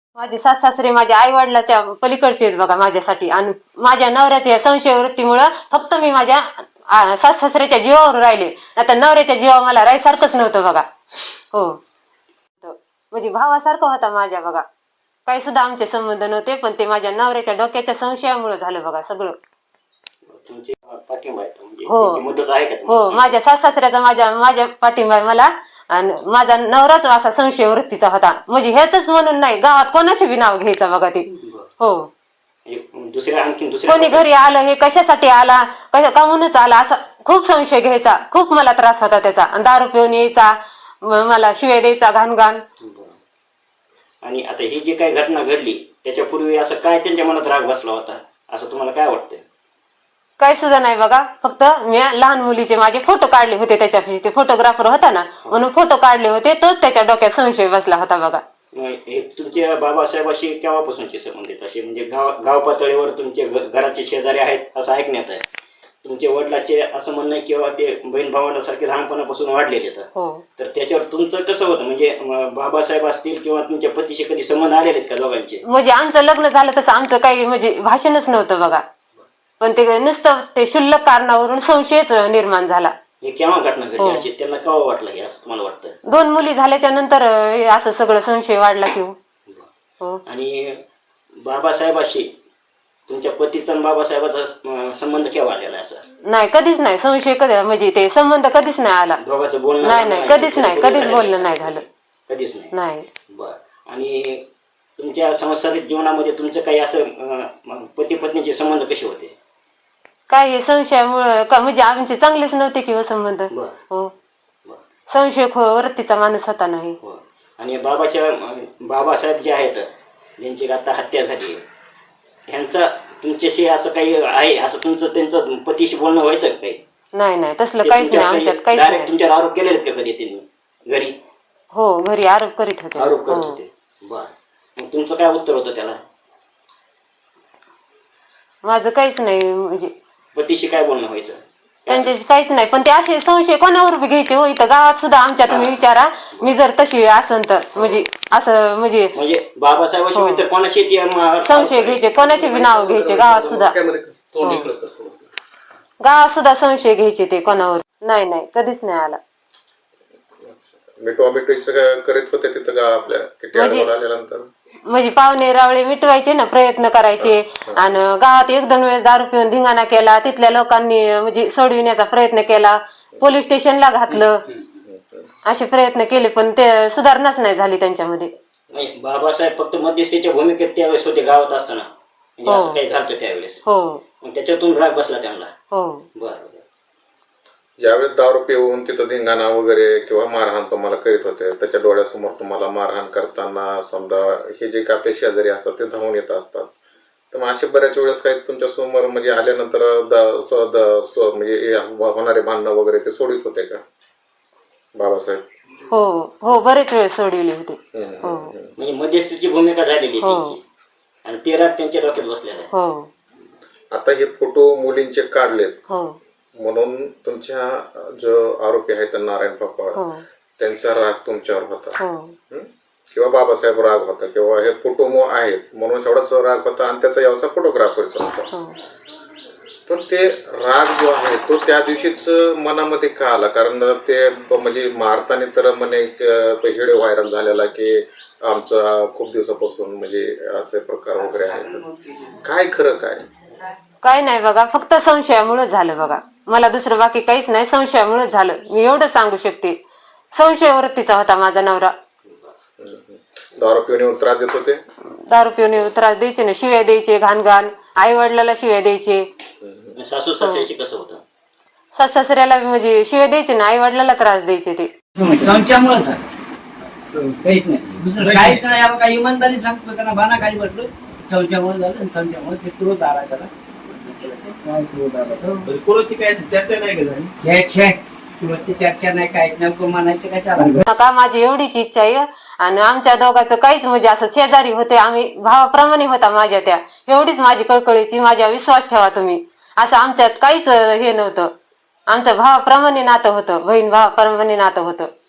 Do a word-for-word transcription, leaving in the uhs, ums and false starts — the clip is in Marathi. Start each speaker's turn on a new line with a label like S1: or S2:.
S1: माझे सास सासरे माझ्या आई वडिलाच्या पलीकडचे आहेत बघा माझ्यासाठी. आणि माझ्या नवऱ्याच्या संशय वृत्तीमुळं फक्त मी माझ्या सास सासऱ्याच्या जीवावर राहिले. आता नवऱ्याच्या जीवा मला राहायसारखंच नव्हतं बघा. हो, म्हणजे भावासारखं होता माझ्या बघा. काही सुद्धा आमचे संबंध नव्हते, पण ते माझ्या नवऱ्याच्या डोक्याच्या संशयामुळे झालं बघा सगळं. हो हो, माझ्या सास सासऱ्याचा माझ्या माझ्या पाठिंबा आहे मला. आणि माझा नवराच असा संशय वृत्तीचा होता. म्हणजे हेच म्हणून नाही, गावात कोणाचे बी नाव घ्यायचं बघा ते. हो,
S2: दुसऱ्या आणखी
S1: कोणी घरी आलं हे कशासाठी आला, कशा काहूनच आला असा खूप संशय घ्यायचा. खूप मला त्रास होता त्याचा. आणि दारू पिऊन यायचा, मला शिवाय द्यायचा घाण घाण.
S2: आणि आता ही जी काही घटना घडली त्याच्यापूर्वी असं काय त्यांच्या मनात राग बसला होता असं तुम्हाला काय वाटतंय?
S1: काही सुद्धा नाही बघा. फक्त मी लहान मुलीचे माझे फोटो काढले होते त्याच्या, ते फोटोग्राफर होता ना म्हणून फोटो काढले होते, तोच त्याच्या डोक्यात संशय बसला होता बघा.
S2: तुमच्या बाबासाहेबाशी केव्हापासूनचे संबंधित असे म्हणजे गाव गाव पातळीवर तुमचे घराचे शेजारी आहेत असं ऐकण्यात आहे. तुमच्या वडिलाचे असं म्हणणं आहे किंवा ते बहीण भावांसारखे लहानपणापासून वाढलेले आहेत. तर त्याच्यावर तुमचं कसं होतं म्हणजे बाबासाहेब असतील किंवा तुमच्या पतीचे कधी संबंध आलेले आहेत का दोघांचे?
S1: म्हणजे आमचं लग्न झालं तसं आमचं काही म्हणजे भाषणच नव्हतं बघा. पण ते नुसतं ते शुल्लक कारणावरून संशयच निर्माण झाला.
S2: हे केव्हा घटना घडली अशी त्यांना केव्हा वाटलं हे असं तुम्हाला वाटतं?
S1: दोन मुली झाल्याच्या नंतर असं सगळं संशय वाढला की. हो.
S2: आणि बाबासाहेबाशी तुमच्या पतीचा आणि बाबासाहेबाचा संबंध केव्हा आलेला आहे? असं नाही,
S1: कधीच नाही. संशय कधी म्हणजे ते संबंध कधीच नाही आला.
S2: दोघांचं बोलणं
S1: नाही नाही कधीच नाही, कधीच बोलणं नाही झालं.
S2: कधीच नाही
S1: नाही.
S2: बर. आणि तुमच्या सांसारिक जीवनामध्ये तुमचं काही असं पती पत्नीचे संबंध कसे होते?
S1: काय हे संशयामुळं का म्हणजे आमचे चांगलेच नव्हते किंवा संबंध. हो, संशय वृत्तीचा माणूस होता नाही.
S2: आणि बाबाच्या बाबासाहेब जे आहेत ज्यांची आता हत्या झाली ह्यांचा तुमच्याशी असं काही आहे असं तुमचं त्यांचं पतीशी बोलणं व्हायचं काही?
S1: नाही नाही तसलं काहीच नाही आमच्यात, काहीच नाही.
S2: तुमच्यावर आरोप केले आहेत का कधी त्यांनी घरी?
S1: हो, घरी आरोप करीत होते.
S2: आरोप करत होते. बर. मग तुमचं काय उत्तर होतं त्याला?
S1: माझं काहीच नाही. म्हणजे
S2: पतीशी काय बोलणं व्हायचं?
S1: त्यांच्याशी काहीच नाही. पण ते असे संशय कोणावर बी घ्यायचे हो. इथं गावात सुद्धा आमच्या तुम्ही विचारा, मी जर तशी असन तर म्हणजे असं म्हणजे
S2: म्हणजे बाबासाहेबांशी इतर कोणाशी
S1: संशय घ्यायचे, कोणाचे बी नाव घ्यायचे गावात सुद्धा. गावात सुद्धा संशय घ्यायचे ते कोणावर. नाही नाही कधीच नाही आला.
S3: करीत होते तिथं का आपल्या
S1: म्हणजे पाहुणे रावळे मिटवायचे ना, प्रयत्न करायचे. आणि गावात एक दोन वेळेस दारू पिऊन धिंगाणा केला, तिथल्या लोकांनी म्हणजे सोडविण्याचा प्रयत्न केला, पोलीस स्टेशनला घातलं, असे प्रयत्न केले पण ते सुधारणाच नाही झाली त्यांच्यामध्ये.
S2: बाबासाहेब फक्त मध्यस्थीच्या भूमिकेत त्यावेळेस होते गावात असताना, असं काही झालं त्यावेळेस.
S1: हो,
S2: त्याच्यातून राग बसला त्यांना.
S1: हो.
S2: बरं.
S3: ज्यावेळेस दारू पिऊन तिथं धिंगाणा वगैरे किंवा मारहाण तुम्हाला करीत होते, त्याच्या डोळ्यासमोर तुम्हाला मारहाण करताना समजा हे जे काही आपले शेजारी असतात ते धावून येत असतात, तर मग असे बऱ्याच वेळेस काही तुमच्या समोर म्हणजे आल्यानंतर म्हणजे होणारे भांडणं वगैरे ते सोडित होते का बाबासाहेब?
S1: हो हो, बरेच वेळ सोडविले होते. हो,
S2: म्हणजे मध्यस्थीची भूमिका झालेली आणि ते राग त्यांच्या डोक्यात बसलेला आहे.
S1: हो.
S3: आता हे फोटो मुलींचे काढलेत.
S1: हो.
S3: म्हणून तुमच्या जो आरोपी आहेत नारायण पापा त्यांचा राग तुमच्यावर होता किंवा बाबासाहेब राग होता किंवा हे फोटो आहेत म्हणून एवढाच राग होता आणि त्याचा व्यवसाय फोटोग्राफरचा होता. पण ते राग जो आहे तो त्या दिवशीच मनामध्ये का आला? कारण ते म्हणजे मारताना तर म्हणे व्हिडिओ व्हायरल झालेला की आमचा खूप दिवसापासून म्हणजे असे प्रकार वगैरे आहेत. काय खरं काय?
S1: काय नाही बघा, फक्त संशयामुळे झालं बघा. मला दुसरं बाकी काहीच नाही, संशयामुळे झालं. मी एवढं सांगू शकते. संशय वृत्तीचा होता माझा नवरा.
S3: दारू पिऊन त्रास देत होते?
S1: दारू पिऊन त्रास द्यायचे ना, शिव्या द्यायचे घाण घाण, आई वडिलाला शिव्या द्यायचे.
S2: सासू सासऱ्याची कसं होतं?
S1: सास सासऱ्याला म्हणजे शिव्या द्यायचे ना, आई वडिलाला त्रास द्यायचे. ते
S4: संशयामुळे काहीच नाही, दुसरं काहीच नाही. आपण काही इमानदारी सांगतो त्यांना बाना काही म्हटलं संशयामुळे झालं. संशयामुळे ते क्रोध आला त्याला. चर्चा नाही काय नेमकं म्हणायचं काय
S1: का माझी एवढीच इच्छा आहे. आणि आमच्या दोघांचं काहीच म्हणजे असं शेजारी होते, आम्ही भावाप्रमाणे होता माझ्या त्या. एवढीच माझी कळकळीची, माझ्या विश्वास ठेवा तुम्ही. असं आमच्यात काहीच हे नव्हतं. आमचं भावाप्रमाणे नातं होतं, बहीण भावाप्रमाणे नातं होतं.